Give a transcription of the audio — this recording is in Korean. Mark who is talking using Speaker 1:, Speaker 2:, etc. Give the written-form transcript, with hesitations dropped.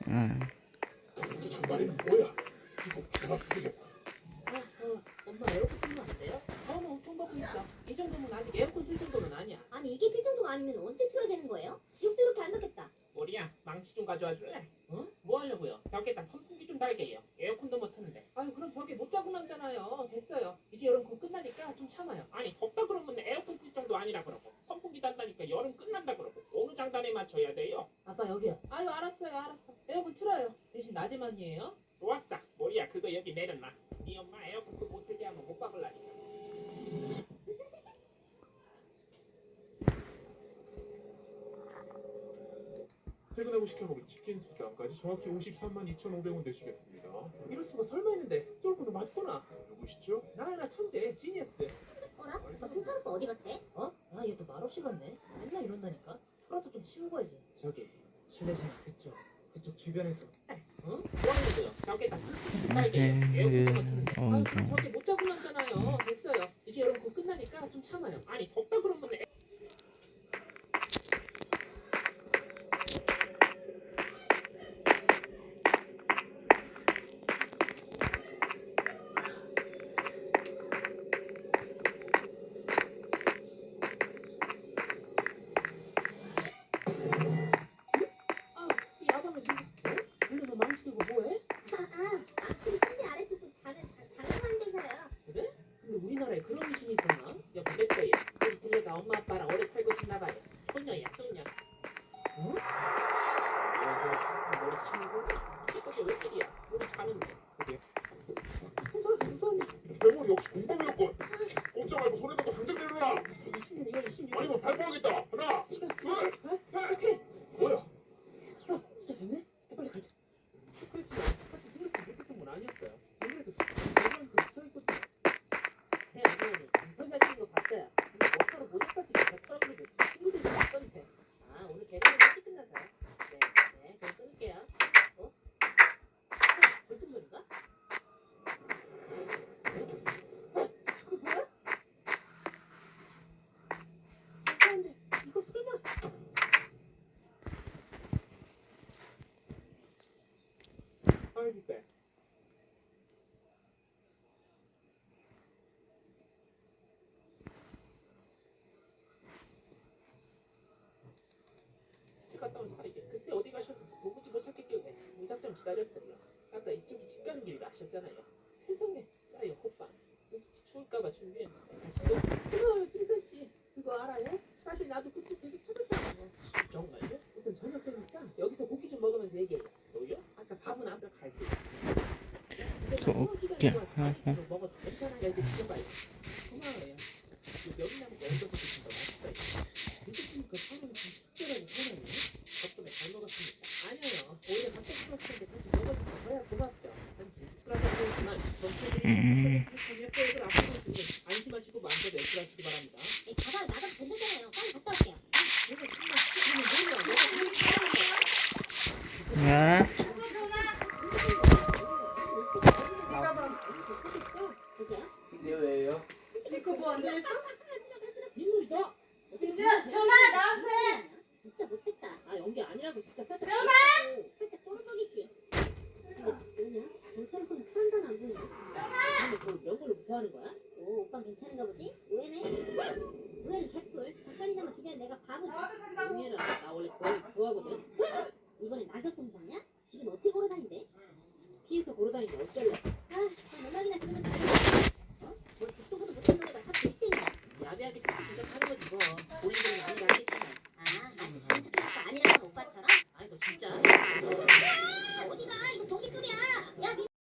Speaker 1: 응.
Speaker 2: 저 장발이는 뭐야? 이거 내가 부르겠다.
Speaker 3: 엄마 에어컨 틀면 안 돼요? 너무 돈 받고 있어. 이 정도면 아직 에어컨 틀 정도는 아니야.
Speaker 4: 아니 이게 틀 정도가 아니면 언제 틀어야 되는 거예요? 지옥도 이렇게 안 넣겠다.
Speaker 3: 머리야, 망치 좀 가져와 줄래? 응? 뭐 하려고요? 벽에다 선풍기 좀 달게요. 에어컨도 못 트는데. 아유, 그럼 벽에 못 자고 남잖아요. 됐어요. 이제 여름 곧 끝나니까 좀 참아요. 아니, 덥다 그러면 에어컨 틀 정도 아니라 그러고 선풍기 단다니까 여름 끝난다 그러고 어느 장단에 맞춰야 돼요? 아빠 여기요. 아유, 알았어요, 알았어. 에어컨 틀어요. 대신 낮에만이에요. 좋았어. 머리야, 그거 여기 내려놔. 네 엄마 에어컨 못 틀게 하면 못 박을라니까.
Speaker 2: 퇴근하고 시켜먹을 치킨 수당까지 정확히 53만 2,500원 되시겠습니다.
Speaker 3: 이럴 수가 설마 했는데 쫄고도 맞구나.
Speaker 2: 누구시죠?
Speaker 3: 나야 천재 지니어스.
Speaker 4: 어라? 오빠 승철 오빠 어디 갔대?
Speaker 3: 어? 아 얘 또 말없이 갔네. 맨날 이런다니까. 초라도 좀 치우고 가야지. 저기 실내장 그쪽 주변에서. 어? 뭐 하는 거요? 벽에다 선풍기 좀 달게. 에어컨도 못 트는데. 아유 그럼 벽에 못 자고 남잖아요. 됐어요. 이제 여름 곧 끝나니까 좀 참아요. 아니 덥다 그러면 야방을 누구 너 망치 들고 뭐해?
Speaker 4: 아침 침대 아래 두고 자는 데서요.
Speaker 3: 그래? 근데 우리나라에 그런 미신이 있었나? 야 그랬어요. 우리 들려다 엄마 아빠랑 오래 살고 싶나봐요. 효녀야 효녀. 응? 안녕하세요. 머리 치우고 새벽에 왜 이리야? 우리 자는데. 그게 무서웠니?
Speaker 2: 대머리 역시 공범이었건. 꼼짝 말고 손에 넣고 당장 내려놔.
Speaker 3: 2020년 2월 26일
Speaker 2: 아니면 발포하겠다. 하나,
Speaker 3: 시간
Speaker 2: 둘,
Speaker 3: 48? 오케이.
Speaker 2: 뭐야?
Speaker 3: 진짜 됐네? 빨리 가자. 그렇지만 사실 생각지 못했던 건 아니었어요. 아무래도 수많은 수사일 것도 태양이 인터넷 하시는 거 봤어요. 근데 뭐하러 모자까지 뱉어라고 친구들이 왔던데. 아 오늘 개강이 일찍 끝나서요. 네 그럼 끊을게요. 어? 벌통놀인가? 저거 뭐야? 안돼 이거 설마 I'll be back. 집 갔다 온 사이에 글쎄 어디 가셨는지 도무지 못 찾겠길래 무작정 기다렸어요. 아까 이쪽이 집 가는 길이라 하셨잖아요. 세상에 짜요 호빵. 진수씨 추울까봐 준비했는데 가시죠. 진서씨 그거 알아요? 사실 나도 그쪽 계속 찾았다고요. 정말요? 우선 저녁 되니까 여기서 고기 좀 먹으면서 얘기해요. 뭐요? 아까 밥은 앞으로 갈 수 있어요. 먹어도 괜찮아요. 이제 드셔봐요. 고마워요. 명이나무 얹어서 드시면 더 맛있어요. 드시니까 처음에는 좀 친절하고 선하네요. 덕분에 잘 먹었습니다. 아니에요. 오히려 갑자기 풀었을 때 같이 먹어주셔서야 고맙죠. 전 진술하자고 했지만 정체들이 생각하며 계획을 앞두고 있으니 안심하시고 마음대로 애플하시기 바랍니다.
Speaker 4: 가방 나가도 된다잖아요. 빨리 갔다 올게요.
Speaker 3: 내가 정말 시키면 뭐야? 내가 그렇게 사는 거야?
Speaker 1: 야.
Speaker 4: 보세요.
Speaker 5: 이게 왜요?
Speaker 3: 이거 뭐 안 되겠어? 민물이다.
Speaker 6: 전화 나한테.
Speaker 4: 진짜 못됐다.
Speaker 3: 아 연기 아니라고 진짜 살짝.
Speaker 4: 살짝 쫄보겠지. 근데 뭐냐? 경찰은 건 사람도 안 보이네.
Speaker 3: 근데 저 명분을 무서워하는 거야?
Speaker 4: 오, 오빠 괜찮은가 보지? 오해네. 오해는 개뿔. 잠깐이나마 기다려. 내가 바보지.
Speaker 3: 용해라. 나 원래 거의 무서워하거든.
Speaker 4: 이번에 낙엽 동상이야? 기준 어떻게 걸어다닌대?
Speaker 3: 피해서 걸어다니는데 어쩔래?
Speaker 4: 음악이나 들으면서 어? 뭐 듣도 보도 못한 노래가 자꾸 1등이야.
Speaker 3: 야비하게 시키면서 하는 거지 뭐. 본인들은 아니